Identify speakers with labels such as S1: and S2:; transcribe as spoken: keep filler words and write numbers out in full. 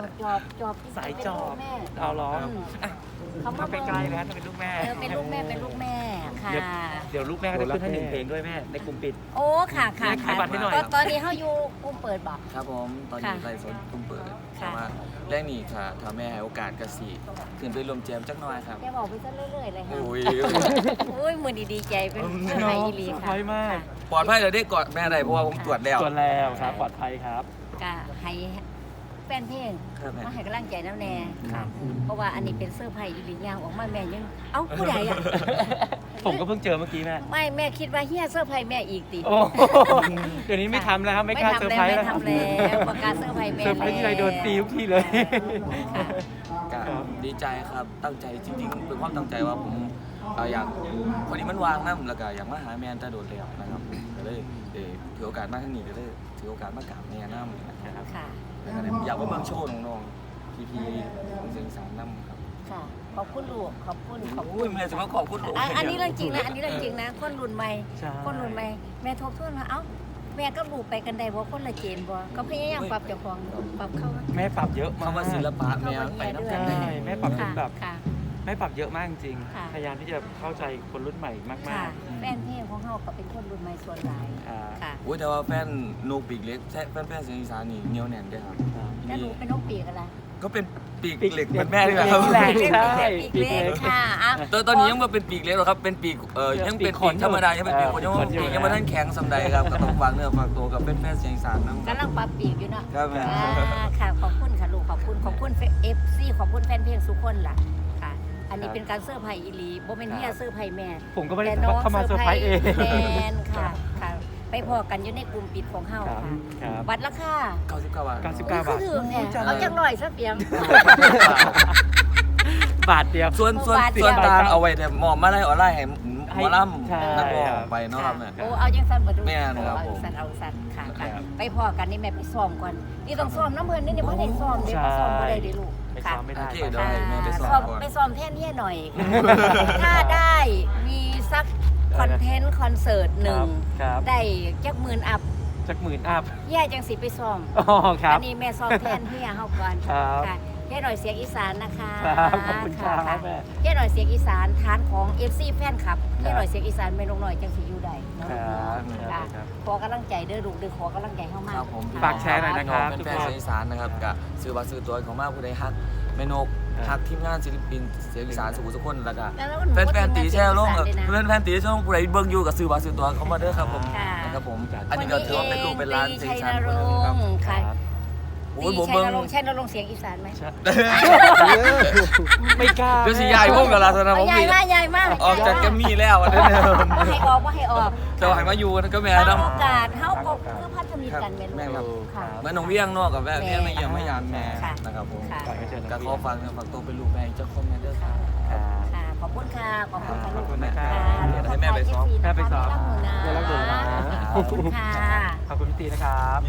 S1: จอบจอบ
S2: สายจอบ
S1: แม่
S2: เอาล้อ
S1: อืม
S2: อ่ะ
S1: เขา
S2: ถ้า
S1: มา
S2: ไปใกล้แล้วถ้าเป็นลูกแม่
S1: เออเป็นลูกแม่เป็นลูกแม่ค่ะ
S2: เดี๋ยวเดี๋ยวลูกแม่ก็จะขึ้นให้หนึ่งเพลงด้วยแม่ในกลุ่มปิด
S1: โอ้ค่ะค่ะ
S2: ขายบัตรให้หน่อย
S1: ตอนตอนนี้เขาอยู่กุ้มเปิดบอก
S3: ครับผมตอนนี้ไลฟ์สดตุ้มเปิด
S1: ค่ะ
S3: แต่ว่าแรกนี่ค่ะถ้าแม่ให้โอกาสกสิขึ้นไปรวมแจมจักหน่อยครับ
S1: แกบอกไปซะเรื่อยๆเลยค่ะ
S3: โอ้ย
S1: โอ้ยมือดีๆใจเป็นเพื่อนไทยอีหลี
S2: เซอร์ไพ
S1: ค่ะ
S2: รส์มาก
S1: ค่ะ
S3: ปลอดภัยเลยได้กอดแม่ได้เพราะว่าผมตรวจแล้ว
S2: ตัวแล้วครับปลอดภัยครับ
S1: ก็ให้แฟนเพลง
S3: ครับแม่
S1: มาให้กำลังใจน้ำแน่
S2: ครับ
S1: เพราะว่าอันนี้เป็นเสื้อร์ไผ่อีหลีย่างออกมาแม่ยังเอ้าผู้ใดอ่ะ
S2: ผมก็เพิ่งเจอเมื่อกี้แม่
S1: ไม่แม่คิดว่าเฮียเสื้อร์ไผ่แม่อีกติ
S2: โอ้เดี๋ยวนี้ไม่ทำแล้วครับไม่กล้าเซอร์ไพรส์
S1: ไม่
S2: แล้ว
S1: ทำแล้วประกาศเสื้อร์ไผ่แม่
S2: เซอร์ไพรส์ที่ไรโดนตีทุกทีเลย
S1: ค่ะ
S3: ก็ดีใจครับตั้งใจจริงๆเป็นความตั้งใจว่าผมเอ่ออยากพอดีมันวางน้ำแล้วก็อยากมาหาแมนแต่โดดแล้วนะครับก็เลยเอ่อถือโอกาสมาที่นี่ก็เลยถือโอกาสมากราบแม่น้ำนะครับ
S1: ค่ะ
S3: แล้วก็เลยอยากมาเบิ่งโชว์น้องๆพีพีเสียงสารน้ำครับ
S1: ค่ะ ขอบคุณลูก ขอบคุณ ขอบคุ
S3: อุ้ย
S1: ณ
S3: แม่จะมาขอบคุณลูก
S1: อ่ะอันนี้เรื่องจริงนะ อันนี้เรื่องจริงนะ คนรุ่นใหม่
S2: ใช่
S1: คนรุ่นใหม่ แม่ทบทวนว่าเอ้า แม่ก็ลูกไปกันได้บ่คนละเจนบ่ก็พยายามปรับเจ้าของปรับเข้า
S2: แม่ปรับเยอะมาก
S3: คำว่าศิลปะแม่ไปน้ำกัน
S2: ใช่แม่ปรับจนแบบ
S1: ค่ะ
S2: แม่ปรับเยอะมากจริง
S1: ค่ะ
S2: พยายามที่จะเข้าใจคนรุ่นใหม่มาก
S1: ค่ะ
S2: ๆ
S1: แฟนเพลงของเฮาก็เป็นคนรุ่นใหม่ส่วนหลาย
S2: อ่า
S1: ค่ะ
S3: อุ้ยแต่ว่าแฟนนกปีกเล็กแฟนแฟนเสียงอีสานนี่เหนียวแน่นด้วยครับ
S1: แล้วหนูเป็นน้องปีกอะไร
S3: ก็เป็นปีก
S2: ปีก
S3: เหล็กเป็นแม่ด้วยครับ
S2: ใช่
S1: ใช่ปีกเล็กค่ะอ่ะ
S3: ตอนตอนนี้ยังมาเป็นปีกเล็กหรอกครับเป็นปีกเออยังเป็นปีกธรรมดายังเป็นปีกคนยังปีกยังไม่ทันแข็งสำใดครับก็ต้องฝากเนื้อฝากตัวกับเป็นแฟนเสียงอีสานนะ
S1: กำลังปรับปีกอยู่เนาะ
S3: ครับแม่
S1: อ่าค่ะ ขอบคุณค่ะลูก ขอบคุณ ขอบคุณเอฟซีขอบคุณแฟนเพลงสุกคนล่ะ ค่ะ อันนี้เป็นการเสื้อร์ไผ่อีหลีโบเมนเฮียเสื้อร์ไผ่แม่
S2: ผมก็ไม่ได้
S1: แต่น้อง
S2: เข้ามาเซอร์ไพรส์เอง
S1: แมนค่ะ ค่ะ ไปพอกันอยู่ในกลุ่มปิดของเฮา
S2: ครับ
S1: ค่ะ
S2: ครับ
S1: บัตรราคา
S3: เก้าสิบเก้าบาท
S2: เก้าสิบเก้า
S1: ก็ถือแท้เอาจังหน่อยซะเปียง
S2: บาทเดียว
S3: ส่วนส่วน
S1: บาทเดียว
S3: ส่วนต่างเอาไว้แต่หมอมาไล่ออนไลน์ให้หมอล
S2: ใช่
S3: ำนักร้องไปเนาะครับแม่
S1: โอ้เอาจังสันบ่ดู
S3: แม่นครับ
S1: เอา
S3: ผม
S1: สันเอาสันค่ะค่ะ
S2: ครับ
S1: ไปพอกันนี่แม่ไปซ้อมก่อน นี่ต้องซ้อมน้ำเพิ่นนี่นี่บ่ได้ซ้อมเด้บ่ซ้อมบ่ได้เด้ลูก
S2: ไป
S1: ค่ะ
S2: ซ้อมไม่ได้
S3: โอเค
S2: ไป
S3: เดี๋ยวให้แม่ไปซ้อม
S1: ซ้อม
S3: ก่อน
S1: ไปซ้อมแท่นเฮียหน่อยค่ะถ้าได้มีสักคอนเทนต์คอนเสิร์ตหนึ่ง
S2: ครับ
S1: ได้จักหมื่นอัพ
S2: จากหมื่นอัพ
S1: เฮียจังสิไปซ้อม
S2: อ๋อครับ
S1: อันนี้แม่ซ้อมแทนเฮียเฮาก่อน
S2: ครับ
S1: ค่ะเฮียหน่อยเสียงอีสานนะคะ
S2: ครับขอบคุณครับ
S1: ะ
S2: แม่
S1: เฮียหน่อยเสียงอีสานฐานของ เอฟ ซี แฟนคลับเฮียหน่อยเสียงอีสานแม่นกหน่อยจังสิอยู่ได้เนาะ
S2: ครับค
S1: ค่ะ
S2: รับครับ
S1: ขอกำลังใจเด้อลูกเด้อขอกำลังใจเฮามาก
S3: ครับผม
S2: ฝากแชร์หน่อยนะ ครับ
S3: เป็นแฟนเสียงอีสานนะครับกับซื้อบัตรซื้อตัวของมากผู้ใดฮักแม่นกฮักทีมงานศิลปินเสียงอีสานสุขุมสุขคนแล้วก็
S1: แล้วมัน
S3: แฟนแฟนๆตีแช่ลง
S1: เสียอีสานด้วยนะ
S3: แฟนแฟนๆตีแช่ลงผู้ใดเบิ่งอยู่กับซื้อบัตรซื้อตัวเขามาเด้อครับผม
S1: ค่ะ
S3: นะครับผมอันนี้ก็ถือว่าเป็นลูกเป็นหล้านเสียงอีสาน
S1: ชัยน
S3: คน
S1: ร
S3: หนึงครับ
S1: งค์ค่ะ
S3: โอ้ยผม
S1: ชัย
S3: เบิ่ง
S1: นรงค์ชัยนรงค์เสียงอีสานไหม
S2: ไม่กล้า
S3: เดี๋ยวสิยายพวกกับลาสนะ
S1: เอา
S3: ผม
S1: ใหญ่
S3: มี
S1: มากใหญ่มาก
S3: ออกจากแกมมี่แล้วอันนี้เนี่ย
S1: ว่าให้ออกว่าให้ออก
S3: จะให้มาอยู่ก็แม่
S1: บาง
S3: น้ำ
S1: โอกาสเฮาก็คือพัฒนิตกันแม่
S3: แม่ครับ
S1: ลูกค่ะ
S3: เหมือนน้องเวียงเนอกกับแม่
S1: แม่
S3: เวียงไม่เยี่ยมไม่ยามแม่
S1: ค่ะ
S3: นะครับผม
S1: ค่ะ
S2: ฝากให้เชิญ
S3: ก็ขอฟังฝากตัวเป็นลูกแม่เจ้าของแม่เด้อครับ
S2: ครับ
S1: ค่ะ ขอบคุณค่ะ ขอบคุณค่ะ
S2: ข
S1: ลู
S2: อบ
S1: ก
S2: คุณนะครั
S1: ค่ะ
S2: บ
S3: เดี๋ยวให้แม่ไปซ้อม
S2: แม่ไปซ้อม
S1: รักหนูนะ
S2: เดี๋ยวรักหนูนะ
S1: ขอบคุณค่ะ
S2: ขอบคุณพี่ตีนะครับ